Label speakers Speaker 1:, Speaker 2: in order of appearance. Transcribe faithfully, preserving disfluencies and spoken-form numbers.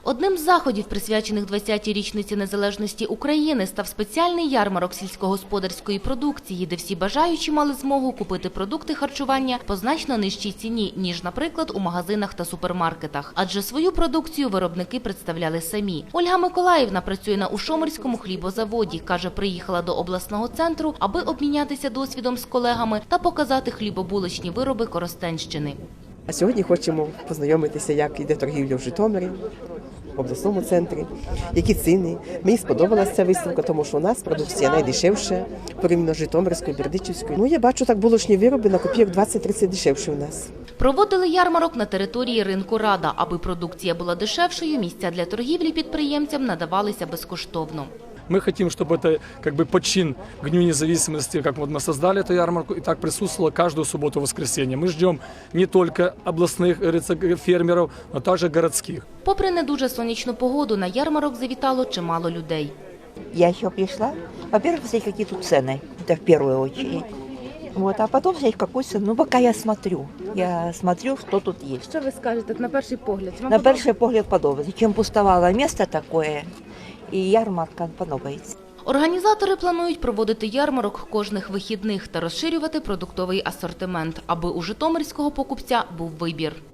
Speaker 1: Одним з заходів, присвячених двадцятій річниці незалежності України, став спеціальний ярмарок сільськогосподарської продукції, де всі бажаючі мали змогу купити продукти харчування по значно нижчій ціні, ніж, наприклад, у магазинах та супермаркетах. Адже свою продукцію виробники представляли самі. Ольга Миколаївна працює на Ушомирському хлібозаводі. Каже, приїхала до обласного центру, аби обмінятися досвідом з колегами та показати хлібобулочні вироби Коростенщини.
Speaker 2: А сьогодні хочемо познайомитися, як йде торгівля в Житомирі, в обласному центрі, які ціни. Мені сподобалася ця виставка, тому що у нас продукція найдешевша, порівняно з Житомирською, Бердичівською. Ну, я бачу, так булочні вироби на копійок двадцять-тридцять дешевші у нас.
Speaker 1: Проводили ярмарок на території ринку Рада. Аби продукція була дешевшою, місця для торгівлі підприємцям надавалися безкоштовно.
Speaker 3: Мы хотим, чтобы это как бы почин к Дню независимости, как вот мы создали эту ярмарку, и так присутствовало каждую субботу и воскресенье. Мы ждем не только областных фермеров, но также городских.
Speaker 1: Попри не дуже сонячну погоду, на ярмарок завітало чимало людей.
Speaker 4: Я еще пришла, во-первых, посмотреть, какие тут цены, это в первую очередь. Вот, а потом взять какую цену. Ну, пока я смотрю, я смотрю, что тут есть.
Speaker 1: Що ви скажете на перший погляд?
Speaker 4: На перший погляд подобається. Чим пустовало місце таке, і ярмарка подобається.
Speaker 1: Організатори планують проводити ярмарок кожних вихідних та розширювати продуктовий асортимент, аби у житомирського покупця був вибір.